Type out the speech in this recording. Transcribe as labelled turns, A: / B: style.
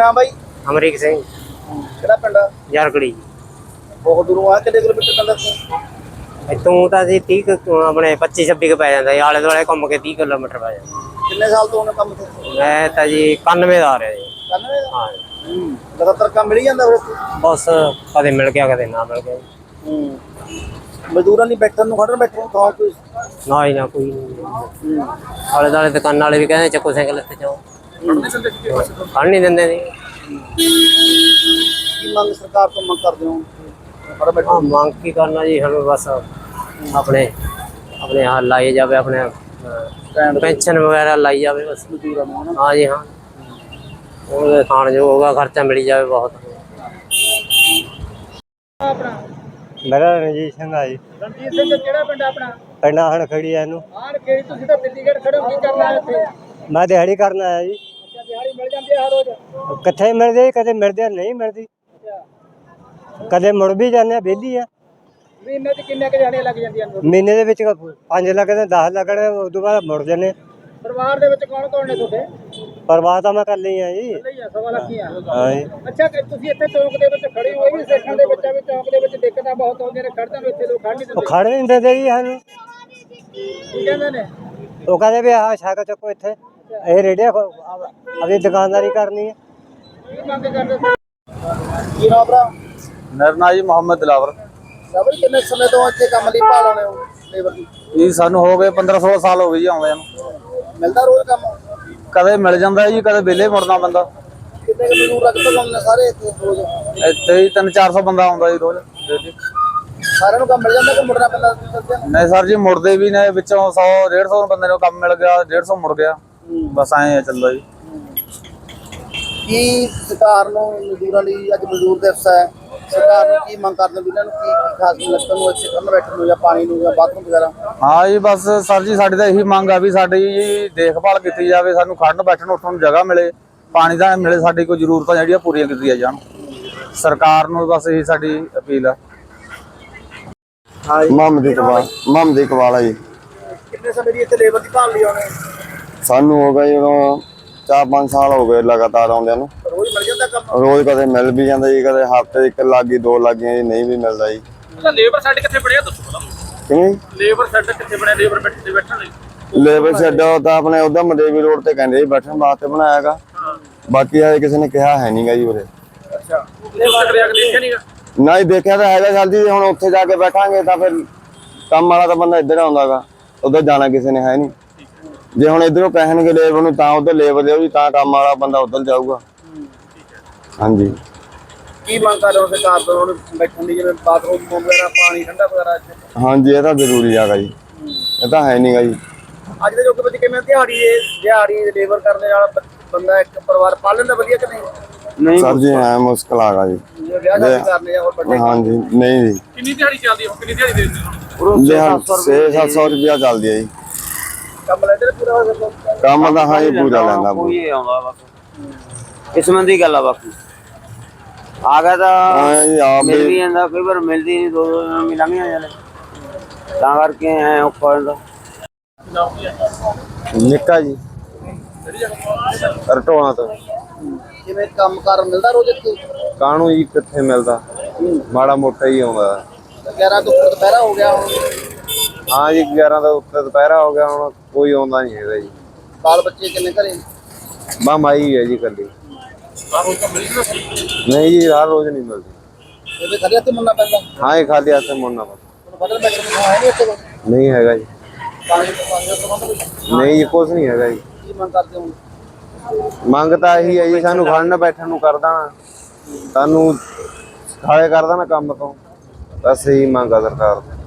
A: नाम भाई?
B: अमरीक सिंह
A: ਕਿਹੜਾ ਪਿੰਡ ਆ?
B: यारकड़ी
A: ਬਹੁਤ ਦੂਰੋਂ ਆ, ਕਿੰਨੇ ਕਿਲੋਮੀਟਰ ਪੈਂਦਾ ਇੱਥੋਂ?
B: इतों तो अभी 30 अपने 25-26 पै जाता आले दुआले घूम के 30 किलोमीटर पै जाता।
A: ਕਿੰਨੇ ਸਾਲ ਤੋਂ ਉਹਨੇ ਕੰਮ ਤੇ?
B: मैं तो जी 91 ਦਾ आ रहा जी।
A: 91 ਦਾ?
B: हाँ
A: ਲਗਾਤਾਰ ਕੰਮ ਮਿਲ ਜਾਂਦਾ ਫਿਰ ਇੱਥੇ?
B: बस कदे मिल गया कदे ना मिल गया।
A: ਮਜ਼ਦੂਰਾਂ ਨਹੀਂ ਬੈਠਣ ਨੂੰ, ਖੜਨ ਬੈਠਣ ਨੂੰ ਥਾਂ ਕੋਈ?
B: ना ही ना कोई नहीं। आले दुआले दुकान वाले भी कहते चक्को साइकिल लेते जाओ, खड़ नहीं देंगे जी।
A: ਕੀ ਮੰਗ ਸਰਕਾਰ ਤੋਂ ਮੰਗ ਕਰਦੇ ਹੋ? ਖੜਨ ਬੈਠਣ
B: हाँ मांग की करना जी, हमें बस अपने अपने यहाँ लाई जाए, अपने पेंशन वगैरह लाई जाए बस।
A: ਮਜ਼ਦੂਰਾਂ ਨੂੰ ਹਨਾ?
B: हाँ जी हाँ, खाने जो होगा खर्चा मिल जाए बहुत।
A: ਆਪਣਾ
C: मेरा रणजीत सिंह है जी।
A: ਰਣਜੀਤ ਸਿੰਘ ਕਿਹੜਾ ਪਿੰਡ ਆਪਣਾ?
C: पिंड हण खड़ी है नू।
A: ਆਣ ਕਿਹੜੀ ਤੁਸੀਂ ਤਾਂ ਦਿੱਲੀਗੜ੍ਹ ਖੜੇ ਹੋ, ਕੀ ਕਰਨਾ ਹੈ ਇੱਥੇ?
C: मैं दिहाड़ी करना है जी।
A: ਅੱਛਾ, ਦਿਹਾੜੀ ਮਿਲ ਜਾਂਦੀ ਹੈ ਹਰ ਰੋਜ਼?
C: किथे मिलती कदे मिलती नहीं मिलती, कदे मुड़ भी जाने बेली है।
A: ਮਹੀਨੇ 'ਚ ਕਿੰਨੇ ਕੁ ਦਿਹਾੜੀਆਂ ਲੱਗ ਜਾਂਦੀਆਂ ਨੇ?
C: महीने दे विच 5 लगने 10 लगने, उस तो बाद मुड़ जाने।
A: ਪਰਿਵਾਰ ਦੇ ਵਿੱਚ ਕੌਣ ਕੌਣ ਨੇ ਤੁਹਾਡੇ?
C: परवाह तो मैं कर ली है जी।
A: ਲਈ ਆ, ਸਵਾ ਲੱਖ ਹੀ ਆ।
C: हाँ जी।
A: ਅੱਛਾ, ਕਿ ਤੁਸੀਂ ਇੱਥੇ ਚੌਂਕ ਦੇ ਵਿੱਚ ਖੜੇ ਹੋਏ ਵੀ ਸੇਖਾਂ ਦੇ ਵਿੱਚ ਆ, ਵੀ ਚੌਂਕ ਦੇ ਵਿੱਚ ਦਿੱਕਤਾਂ ਬਹੁਤ ਆਉਂਦੀਆਂ ਨੇ, ਖੜ੍ਹਦੇ ਨੂੰ ਇੱਥੇ ਲੋਕ ਖੜ੍ਹ ਨਹੀਂ
C: वो
A: ਦਿੰਦੇ,
C: खड़ नहीं देते जी सानू।
A: ਕੀ ਕਹਿੰਦੇ ਨੇ?
C: वो कहते भी हाँ छक चुको इत्थे, ये रेडिया अभी दुकानदारी करनी है।
A: ਕੀ ਮੰਗ ਕਰਦੇ ਸੀ? ਕੀ ਨਾਮ ਭਰਾ?
D: ਮੇਰਾ ਨਾਂ ਜੀ ਮੁਹੰਮਦ ਦਿਲਾਵਰ।
A: ਸਬਰ ਕਿੰਨੇ ਸਮੇਂ ਤੋਂ ਇੱਥੇ ਕੰਮ ਲਈ ਭਾਲ ਆਉਣੇ ਹੋ ਲੇਬਰ ਦੀ?
D: ਜੀ ਸਾਨੂੰ ਹੋ ਗਏ 15-16 ਸਾਲ ਹੋ ਗਏ ਜੀ ਆਉਂਦਿਆਂ ਨੂੰ।
A: ਮਿਲਦਾ ਰੋਜ਼ ਕੰਮ?
D: ਕਦੇ ਮਿਲ ਜਾਂਦਾ ਜੀ, ਕਦੇ ਵਿਹਲੇ ਮੁੜਨਾ ਪੈਂਦਾ।
A: ਕਿੰਨੇ ਕੁ ਮਜ਼ਦੂਰ ਲਗਭਗ ਆਉਂਦੇ ਨੇ ਸਾਰੇ ਇੱਥੇ ਰੋਜ਼?
D: ਇੱਥੇ ਹੀ 300-400 ਬੰਦਾ ਆਉਂਦਾ ਜੀ ਰੋਜ਼ daily।
A: ਸਾਰਿਆਂ ਨੂੰ ਕੰਮ ਮਿਲ ਜਾਂਦਾ ਕਿ ਮੁੜਨਾ ਪੈਂਦਾ ਦੱਸਿਆ?
D: ਨਹੀਂ ਸਰ ਜੀ, ਮੁੜਦੇ ਵੀ ਨੇ, ਵਿੱਚੋਂ 100-150 ਬੰਦੇ ਨੂੰ ਕੰਮ ਮਿਲ ਗਿਆ, 150 ਮੁੜ ਗਿਆ, ਬਸ ਐਂ ਚੱਲਦਾ ਜੀ।
A: ਕੀ ਸਰਕਾਰ ਨੂੰ ਮਜ਼ਦੂਰਾਂ ਲਈ ਅੱਜ ਮਜ਼ਦੂਰ ਦਿਵਸ ਹੈ, ਸਰਕਾਰ ਨੂੰ ਕੀ ਮੰਗ ਕਰਦੇ ਵੀ ਇਹਨਾਂ ਨੂੰ ਕੀ ਖਾਸ ਮਿਲਣ ਨੂੰ, ਇੱਥੇ ਖੜਨ ਬੈਠਣ ਨੂੰ, ਜਾਂ ਪਾਣੀ ਨੂੰ, ਜਾਂ ਬਾਥਰੂਮ ਵਗੈਰਾ?
D: ਹਾਂ ਜੀ, ਬਸ ਸਰ ਜੀ ਸਾਡੀ ਤਾਂ ਇਹੀ ਮੰਗ ਆ ਵੀ ਸਾਡੀ ਜੀ ਦੇਖਭਾਲ ਕੀਤੀ ਜਾਵੇ, ਸਾਨੂੰ ਖੜਨ ਬੈਠਣ ਉੱਠਣ ਨੂੰ ਜਗ੍ਹਾ ਮਿਲੇ, ਪਾਣੀ ਦਾ ਮਿਲੇ, ਸਾਡੀ ਕੋਈ ਜ਼ਰੂਰਤਾਂ ਜਿਹੜੀਆਂ ਪੂਰੀਆਂ ਕੀਤੀਆਂ ਜਾਣ। ਸਰਕਾਰ ਨੂੰ ਬਸ ਇਹੀ ਸਾਡੀ ਅਪੀਲ ਆ।
E: ਮੁਹੰਮਦ ਇਕਬਾਲ ਹੈ ਜੀ।
A: ਕਿੰਨੇ ਸਮੇਂ ਦੀ ਇੱਥੇ ਲੇਬਰ ਦੀ ਭਾਲ ਲਈ ਆਉਣੇ?
E: ਸਾਨੂੰ ਹੋ ਗਏ ਜਦੋਂ 4-5 ਸਾਲ ਹੋ ਗਏ ਲਗਾਤਾਰ ਆਉਂਦਿਆਂ ਨੂੰ।
A: ਰੋਜ਼ ਮਿਲ ਜਾਂਦਾ ਕੰਮ?
E: ਰੋਜ਼ ਕਦੇ ਮਿਲ ਵੀ ਜਾਂਦਾ ਜੀ, ਕਦੇ ਹਫ਼ਤੇ 1 ਲੱਗ ਗਈ 2 ਲੱਗ ਗਈਆਂ ਜੀ, ਨਹੀਂ ਵੀ ਮਿਲਦਾ ਜੀ।
A: ਲੇਬਰ ਸੈੱਟ ਕਿੱਥੇ ਬਣਿਆ ਦੱਸੋ ਪਹਿਲਾਂ?
E: ਕਿਵੇਂ
A: ਲੇਬਰ ਸੈੱਟ ਕਿੱਥੇ ਬਣਿਆ ਲੇਬਰ ਬੈਠਣ ਲਈ?
E: ਲੇਬਰ ਸ਼ੈੱਡ ਤਾਂ ਆਪਣੇ ਉਧਰ ਮਦੇਵੀ ਰੋਡ ਤੇ ਕਹਿੰਦੇ ਜੀ ਬੈਠਣ ਵਾਸਤੇ ਬਣਾਇਆਗਾ, ਬਾਕੀ ਹਜੇ ਕਿਸੇ ਨੇ ਕਿਹਾ ਹੈ ਨਹੀਂਗਾ ਜੀ ਉਰੇ।
A: ਅੱਛਾ, ਲੇਬਰ ਕਰਿਆ ਕਿ ਦੇਖਿਆ ਨਹੀਂਗਾ?
E: ਨਹੀਂ ਦੇਖਿਆ ਤਾਂ ਹੈਗਾ ਜਲਦੀ, ਹੁਣ ਉੱਥੇ ਜਾ ਕੇ ਬੈਠਾਂਗੇ ਤਾਂ ਫਿਰ ਕੰਮ ਵਾਲਾ ਤਾਂ ਬੰਦਾ ਇੱਧਰ ਆਉਂਦਾਗਾ, ਉਧਰ ਜਾਣਾ ਕਿਸੇ ਨੇ ਹੈ ਨਹੀਂ। ਜੇ ਹੁਣ ਇਧਰੋਂ ਕਹਿਣਗੇ ਲੇਬਰ ਨੂੰ ਤਾਂ ਉਧਰ ਲੇਬਰ ਲਿਓ ਜੀ, ਤਾਂ ਕੰਮ ਵਾਲਾ ਬੰਦਾ ਉਧਰ ਜਾਊਗਾ। ਹਾਂਜੀ।
A: ਕੀ ਮੰਗ ਕਰ ਰਹੇ ਹੋ ਸਰਕਾਰ ਤੋਂ ਹੁਣ ਬੈਠਣ ਦੀ, ਜਿਵੇਂ ਬਾਥਰੂਮ ਵਗੈਰਾ, ਪਾਣੀ ਠੰਡਾ ਵਗੈਰਾ ਇੱਥੇ?
E: ਹਾਂਜੀ, ਇਹ ਤਾਂ ਜ਼ਰੂਰੀ ਹੈਗਾ ਜੀ, ਇਹ ਤਾਂ ਹੈ ਨਹੀਂਗਾ ਜੀ।
A: ਅੱਜ ਦੇ ਯੁੱਗ ਵਿੱਚ ਕਿਵੇਂ ਦਿਹਾੜੀ ਲੇਬਰ ਕਰਨ ਨਾਲ ਬੰਦਾ ਇੱਕ ਪਰਿਵਾਰ ਪਾਲ ਲੈਂਦਾ ਵਧੀਆ ਕਿ ਨਹੀਂ?
E: ਸਰ ਜੀ ਐ ਮੁਸ਼ਕਲ ਆਗਾ ਜੀ।
A: ਜਿਵੇਂ ਵਿਆਹ ਸ਼ਾਦੀ ਕਰਨੇ ਜਾਂ ਹੋਰ ਵੱਡੇ?
E: ਹਾਂਜੀ, ਨਹੀਂ ਜੀ।
A: ਕਿੰਨੀ ਦਿਹਾੜੀ ਚੱਲਦੀ ਹੈ? ਕਿੰਨੀ ਦਿਹਾੜੀ ਦੇ ਦਿੰਦੇ ਹੋ?
E: 600-700 ਰੁਪਇਆ ਚੱਲਦੀ ਹੈ ਜੀ।
A: ਕੰਮ ਲੈਂਦੇ ਨੇ ਪੂਰਾ?
E: ਕੰਮ ਤਾਂ ਹਾਂ ਜੀ ਪੂਰਾ ਲੈਂਦਾ
B: ਕੋਈ ਆਉਂਦਾ ਬਸ ਕਿਸਮਤ ਦੀ ਗੱਲ ਆ, ਬਾਕੀ ਆ ਗਿਆ ਤਾਂ
E: ਜੀ। ਆਪ
B: ਮਿਲ ਵੀ ਜਾਂਦਾ, ਕਈ ਵਾਰ ਮਿਲਦੀ ਨਹੀਂ, 2 ਦਿਨ ਲੰਘ ਜਾਂਦੇ, ਤਾਂ ਕਰਕੇ ਐ ਔਖਾ ਹੋ ਜਾਂਦਾ।
E: ਨਿੱਕਾ ਜੀ ਰਟੋਣਾ ਤੋਂ।
A: ਜਿਵੇਂ ਕੰਮ ਕਾਰ ਮਿਲਦਾ ਰੋਜ਼ ਇੱਥੇ?
E: ਕਾਹਨੂੰ ਜੀ, ਕਿੱਥੇ ਮਿਲਦਾ, ਮਾੜਾ ਮੋਟਾ ਹੀ ਆਉਂਦਾ।
A: 11 ਤੋਂ ਉੱਪਰ ਦੁਪਹਿਰਾ ਹੋ ਗਿਆ ਹੁਣ?
E: ਹਾਂ ਜੀ, 11 ਦਾ ਉੱਤੇ ਦੁਪਹਿਰਾ ਹੋ ਗਿਆ, ਹੁਣ ਕੋਈ ਆਉਂਦਾ ਨਹੀਂ ਹੈਗਾ ਜੀ।
A: ਬਾਲ ਬੱਚੇ ਕਿੰਨੇ ਘਰੇ?
E: ਬਾ ਮਾਈ ਹੈ ਜੀ ਕੱਲੀ। ਨਹੀਂ ਜੀ, ਹਰ ਰੋਜ਼ ਨਹੀਂ ਮਿਲਦੀ।
A: ਇਹਦੇ ਖੜੇ ਹੱਥ ਮੁੰਨਾ ਪੈਂਦਾ?
E: ਹਾਂ ਜੀ, ਖਾਲੀ ਹੱਥ ਮੁੜਨਾ ਪੈਂਦਾ।
A: ਬਦਲ ਬੈਠਣ ਨੂੰ ਹੈ ਨਹੀਂ ਇੱਥੇ ਕੋਈ?
E: ਨਹੀਂ ਹੈਗਾ ਜੀ।
A: ਪਾਣੀ ਦਾ ਪ੍ਰਬੰਧ ਕੋਈ?
E: ਨਹੀਂ ਜੀ, ਕੁਛ ਨਹੀਂ ਹੈਗਾ ਜੀ।
A: ਕੀ ਮੰਗ ਕਰਦੇ ਹੋ?
E: ਮੰਗ ਤਾਂ ਇਹੀ ਹੈ ਜੀ, ਸਾਨੂੰ ਖੜਨ ਬੈਠਣ ਨੂੰ ਕਰ ਦੇਣਾ, ਸਾਨੂੰ ਖਾਲੇ ਕਰ ਦੇਣਾ ਕੰਮ ਤੋਂ, ਬਸ ਇਹੀ ਮੰਗ ਆ ਸਰਕਾਰ ਤੋਂ।